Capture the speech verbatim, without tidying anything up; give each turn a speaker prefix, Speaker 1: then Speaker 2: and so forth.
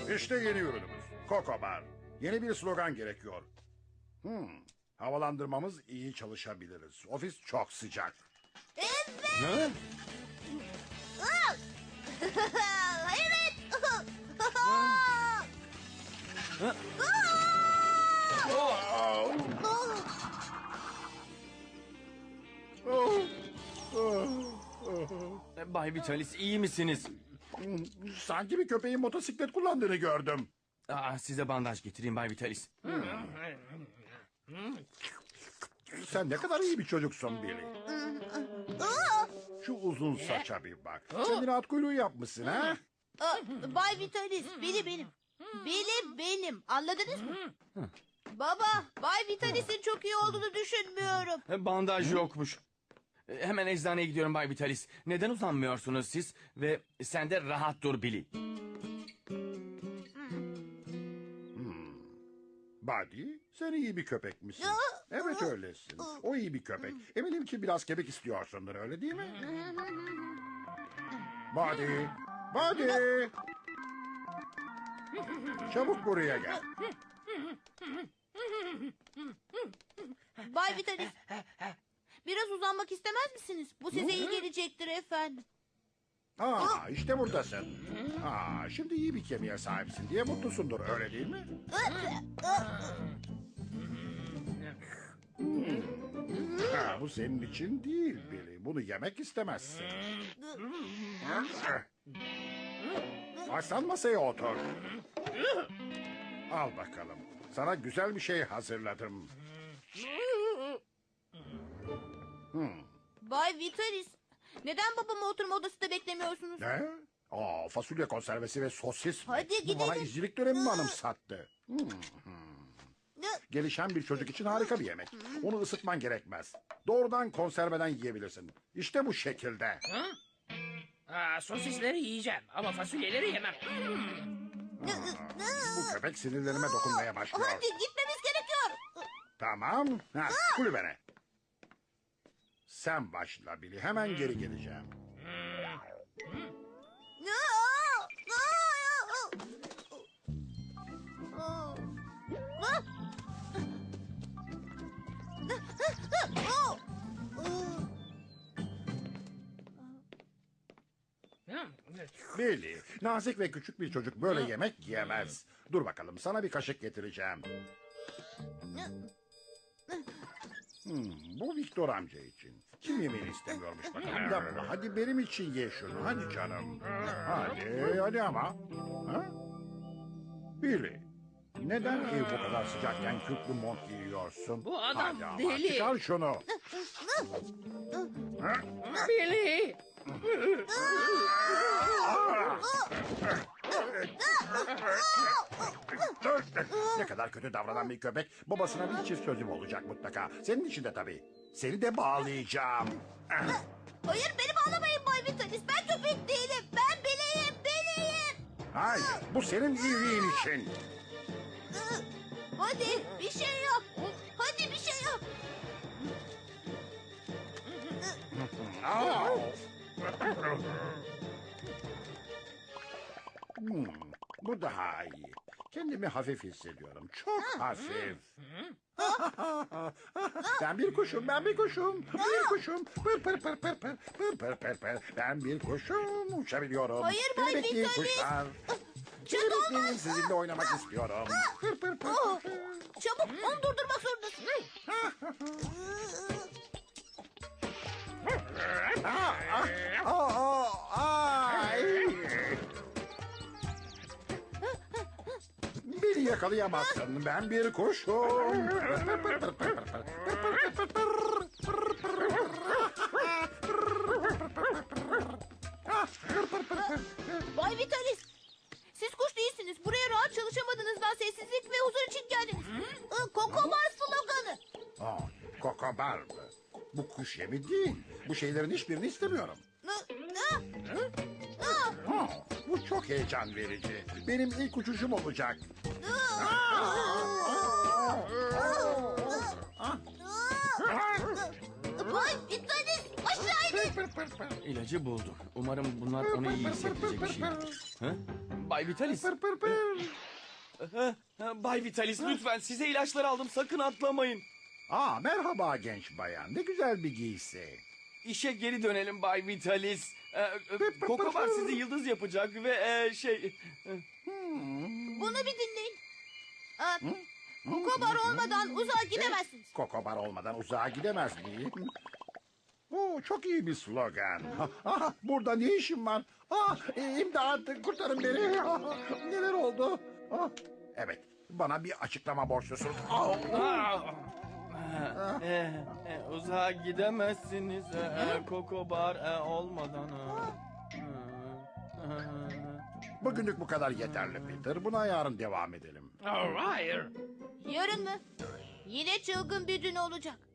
Speaker 1: İşte yeni ürünümüz. Coco Bar. Yeni bir slogan gerekiyor. Hmm, havalandırmamız iyi çalışabiliriz. Ofis çok sıcak.
Speaker 2: Evet.
Speaker 3: Ne?
Speaker 2: Evet.
Speaker 3: Bay Vitalis iyi misiniz?
Speaker 1: Sanki bir köpeğin motosiklet kullandığını gördüm.
Speaker 3: Aa, size bandaj getireyim Bay Vitalis.
Speaker 1: Sen ne kadar iyi bir çocuksun Billy. Şu uzun saça bir bak. Kendine at kuyruğu yapmışsın ha?
Speaker 2: Aa, Bay Vitalis, Billy benim. Billy benim. Anladınız mı? Baba, Bay Vitalis'in çok iyi olduğunu düşünmüyorum.
Speaker 3: E, Bandaj yokmuş. E, Hemen eczaneye gidiyorum Bay Vitalis. Neden uzanmıyorsunuz siz? Ve sen de rahat dur Billy.
Speaker 1: Buddy, sen iyi bir köpek misin? Evet öylesin. O iyi bir köpek. Eminim ki biraz kemik istiyorsundur, öyle değil mi? Buddy, Buddy. Çabuk buraya gel.
Speaker 2: Bay Vitalis, biraz uzanmak istemez misiniz? Bu size iyi gelecektir efendim.
Speaker 1: Aa, işte buradasın. Aa, şimdi iyi bir kemiğe sahipsin diye mutlusundur, öyle değil mi? Ha, bu senin için değil Billy. Bunu yemek istemezsin. Aslan masaya otur. Al bakalım. Sana güzel bir şey hazırladım.
Speaker 2: Bay Vitalis, neden babamı oturma odasında beklemiyorsunuz?
Speaker 1: Ne? Aa, fasulye konservesi ve sosis mi?
Speaker 2: Hadi
Speaker 1: Bu bana
Speaker 2: gidelim.
Speaker 1: izcilik dönemi mi anımsattı? Hmm. Gelişen bir çocuk için harika bir yemek. Onu ısıtman gerekmez. Doğrudan konserveden yiyebilirsin. İşte bu şekilde.
Speaker 4: Aa, sosisleri yiyeceğim ama fasulyeleri yemem.
Speaker 1: Bu köpek sinirlerime dokunmaya başlıyor.
Speaker 2: Hadi gitmemiz gerekiyor.
Speaker 1: Tamam. Ha, kulübene. Sen başla Billy. Hemen geri geleceğim. Billy, nazik ve küçük bir çocuk böyle yemek yiyemez. Dur bakalım, sana bir kaşık getireceğim. Hmm, bu Viktor amca için. Kim yemeğini istemiyormuş bakalım. Yapma, hadi benim için ye şunu. Hadi canım. Hadi, hadi ama. Ha? Billy, neden ev bu kadar sıcakken kürklü mont giyiyorsun?
Speaker 4: Bu adam
Speaker 1: Hadi ama,
Speaker 4: deli.
Speaker 1: çıkar şunu. Ha?
Speaker 4: Billy!
Speaker 1: Ne kadar kötü davranan bir köpek. Babasına bir çift sözüm olacak mutlaka. Senin için de tabii. Seni de bağlayacağım.
Speaker 2: Hayır, beni bağlamayın Bay Vitalis. Ben köpek değilim. Ben Billy'yim, Billy'yim.
Speaker 1: Hayır, bu senin iyiliğin için.
Speaker 2: Hadi bir şey yap. Hadi bir şey yap.
Speaker 1: Aa! Hmm, bu daha iyi. Kendimi hafif hissediyorum. Çok hafif. Ben bir kuşum, ben bir kuşum. Bir kuşum. Pır pır pır pır pır. Pır pır pır pır. Ben bir kuşum. Uçabiliyorum.
Speaker 2: Hayır, Bay
Speaker 1: Beni bekleyin
Speaker 2: Vitalis.
Speaker 1: kuşlar.
Speaker 2: Çok
Speaker 1: Beni bekleyin,
Speaker 2: olmaz.
Speaker 1: sizinle oynamak istiyorum. Pır pır pır
Speaker 2: Oh,
Speaker 1: pır.
Speaker 2: çabuk onu durdurmak zorundasın.
Speaker 1: Aa, aa, aa, ay. Beni yakalayamazsın. Ben bir kuşum.
Speaker 2: Bay Vitalis, siz kuş değilsiniz. Buraya rahat çalışamadığınızdan sessizlik ve huzur için geldiniz. Coco Bar sloganı.
Speaker 1: Aa, kokobar mı? Bu kuş yemi değil. Bu şeylerin hiçbirini istemiyorum. Ha, bu çok heyecan verici. Benim ilk uçuşum olacak.
Speaker 2: Bay Vitalis, aşağı inin.
Speaker 3: İlacı buldum. Umarım bunlar onu iyi hissettirecek bir şey. Ha? Bay Vitalis.
Speaker 1: Pır pır pır.
Speaker 3: Ha, ha, Bay Vitalis lütfen size ilaçlar aldım. Sakın atlamayın.
Speaker 1: Aa, merhaba genç bayan. Ne güzel bir giysi.
Speaker 3: İşe geri dönelim Bay Vitalis. Ee, e, Kokobar sizi yıldız yapacak ve e, şey... e,
Speaker 2: Bunu bir dinleyin. Aa, Kokobar olmadan uzağa gidemezsiniz.
Speaker 1: Kokobar olmadan uzağa gidemez miyim? Oo, çok iyi bir slogan. Ah, burada ne işim var? Ah, imdat, kurtarın beni. Ah, neler oldu? Ah, evet, bana bir açıklama borçlusunuz. Ah,
Speaker 3: Aa! E, e, uzağa gidemezsiniz e, e, Kokobar e, olmadan. e.
Speaker 1: bugünlük bu kadar yeterli Peter. Buna yarın devam edelim.
Speaker 4: Oh, hayır.
Speaker 2: Yarın mı? Yine çılgın bir gün olacak.